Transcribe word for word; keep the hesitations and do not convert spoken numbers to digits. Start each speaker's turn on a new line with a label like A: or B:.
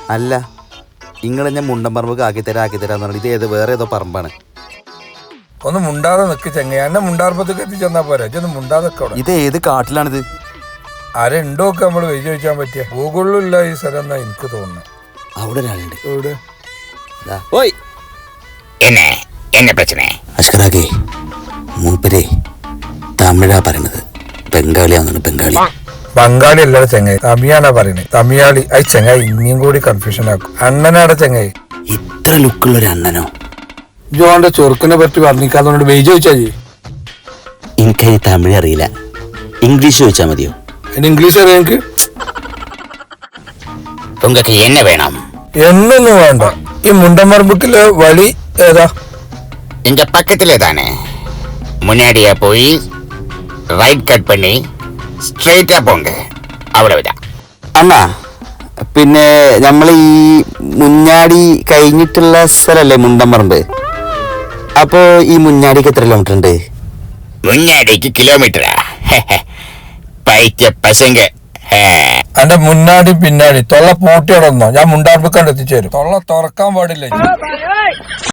A: അല്ല നിങ്ങൾ ഞാൻ മുണ്ടമ്പറമ്പ് ആക്കിത്തരാ ആക്കിത്തരാന്ന് പറഞ്ഞു. ഇത് ഏത് വേറെ ഏതോ പറമ്പാണ്.
B: ഒന്ന് മുണ്ടാതെ നിക്ക് ചെങ്ങ. എന്നെ മുണ്ടാർപ്പത്തേക്ക് എത്തിച്ചെന്നാ പോരാ. ഇതൊന്ന് മുണ്ടാതെ.
A: ഇത് ഏത് കാട്ടിലാണിത്?
B: ആരുണ്ടോ ഒക്കെ നമ്മൾ വെയിൽ ചോദിക്കാൻ പറ്റിയ ഗൂഗിളിലും ഇല്ല ഈ സ്ഥലം എന്നാ എനിക്ക് തോന്നുന്നു.
A: അവിടെ ഒരാളുണ്ട്.
B: എവിടെ?
A: അഷ്കറാക്കെ മൂപ്പരെ തമിഴാ പറയണത്. ബംഗാളിയാന്നാണ്. ബംഗാളി
B: ബംഗാളി അല്ലാതെ ചെങ്ങായി തമിയാനാ പറയുന്നത്. തമിയാളി അത് ചെങ്ങായി ഇനിയും കൂടി കൺഫ്യൂഷൻ ആക്കും. അണ്ണനാടെ ചെങ്ങായി.
A: ഇത്ര ലുക്കുള്ള ഒരു അണ്ണനോ?
B: ജോന്റെ ചെറുക്കിനെ പറ്റി പറഞ്ഞിക്കാന്നോണ്ട് വെയിൽ ചോദിച്ചാൽ
A: എനിക്ക് തമിഴ് അറിയില്ല. ഇംഗ്ലീഷ് ചോദിച്ചാൽ മതിയോ?
B: ഇംഗ്ലീഷ് അറിയാം എനിക്ക്.
A: உங்களுக்கு என்ன வேணும்?
B: എന്നൊന്നും വേണ്ട. ഈ മുണ്ടമർബുക്കിലെ വഴി ഏതാ?
C: இங்க பக்கத்திலே தானே. முன்னாடியே போய் ரைட் கட் பண்ணி സ്ട്രെയിറ്റാ പോങ്ക. അവിടെവിടാം.
A: അണ്ണാ പിന്നെ നമ്മൾ ഈ മുഞ്ഞാടി കഴിഞ്ഞിട്ടുള്ള സ്ഥലല്ലേ മുണ്ടമ്പറമ്പ്? അപ്പോ ഈ മുഞ്ഞാടിക്ക് എത്ര കിലോമീറ്റർ ഉണ്ട്?
C: മുഞ്ഞാടിക്ക് കിലോമീറ്ററാ? പൈറ്റ പശങ്ക.
B: എന്റെ മുന്നാടി പിന്നാടി തൊള്ള പൂട്ടിയോടൊന്നോ ഞാൻ മുണ്ടാർബുക്കാണ്ട് എത്തിച്ചേരും. തൊള്ള തുറക്കാൻ പാടില്ല.